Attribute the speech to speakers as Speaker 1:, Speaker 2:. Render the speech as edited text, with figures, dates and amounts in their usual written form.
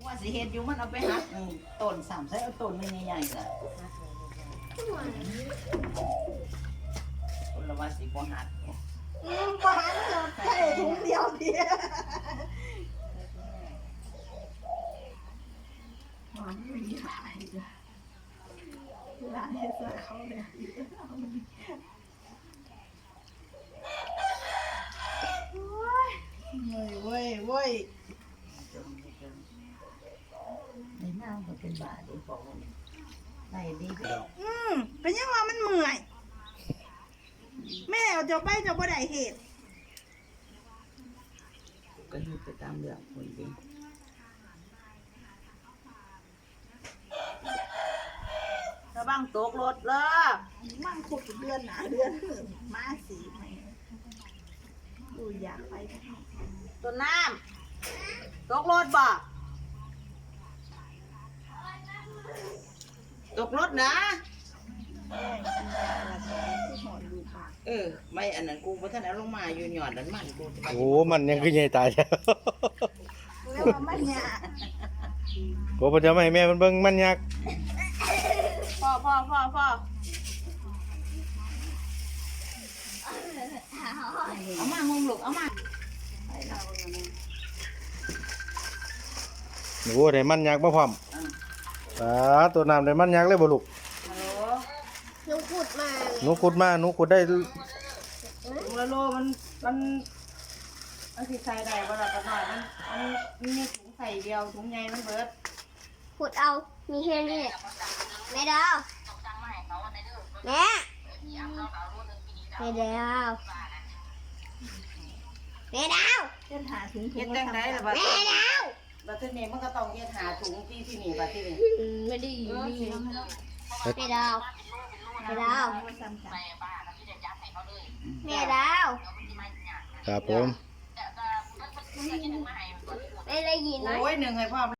Speaker 1: ว่าสิเฮ็ดอยู่มันเอาไปหักต้น3ใส่เอาต้นใหญ่ๆล่ะคนละว่าสิบ่หัก
Speaker 2: บ่หักจบใส่ถุงเดียวเดียวมันไม่มีหลายจ้ะหลายให้ใส่เขาเนี่ยเว้ย
Speaker 1: ในน้ำก็เป็นบาทดีบอกได้ดีไปดอก
Speaker 2: เป็นยังว่ามันเมื่อยแม่เอาจะไปจะบ่ได้เหตุ
Speaker 1: ก็อยู่ไปตามเรื่องคนดีระวังตกรถเลย
Speaker 2: มันขุดเดือนหนาเดือนมาสีไหมดูอยากไป
Speaker 1: ต้นน้ำตกรถบ่ตกรถนะไม่อันนั้นกูเพราะท่านเอาลงมาอยู่หย่อนนั้นมันกู
Speaker 3: โอ้มันยังคือใหญ่ตายแล้ว
Speaker 2: แล้วมันเนี่ย
Speaker 3: โอ้พ่อจะไม่ให้แม่มันเบิ่งมันยักษ์
Speaker 1: พ่อเอามาห้องลูกเอามา
Speaker 3: โอ้ได้มันยักษ์มาพร้อมตัวน้ำได้มันยักษ์เลยบ่ลูก
Speaker 1: ฮัลโหล
Speaker 2: หนูขุดมา
Speaker 3: หนูขุดมาหนูขุดได้
Speaker 1: ถุงละโลมันสิใส่ได้บ่ล่ะปะน้อยมันมีถุงใส่เดียวถุงใหญ่มันเบิด
Speaker 2: ขุดเอามีแค่นี้แม่ดาวแม่แม่ดาวแม่ดาวเดินหาถุง
Speaker 1: เฮ็ดจังไดล่ะบัด
Speaker 2: แม่ดาว
Speaker 1: บัดทีนี้มันก็ต้องเฮ็ดหาถุงที่นี่บัดทีนี้
Speaker 2: ไม่ได้อยู่นี่แม่ดาวแม่ดาวแม่ดาว
Speaker 3: ครับผม
Speaker 2: ไม่ได้ยินนะ
Speaker 1: โอ้ยหนึ่งให้พ่อ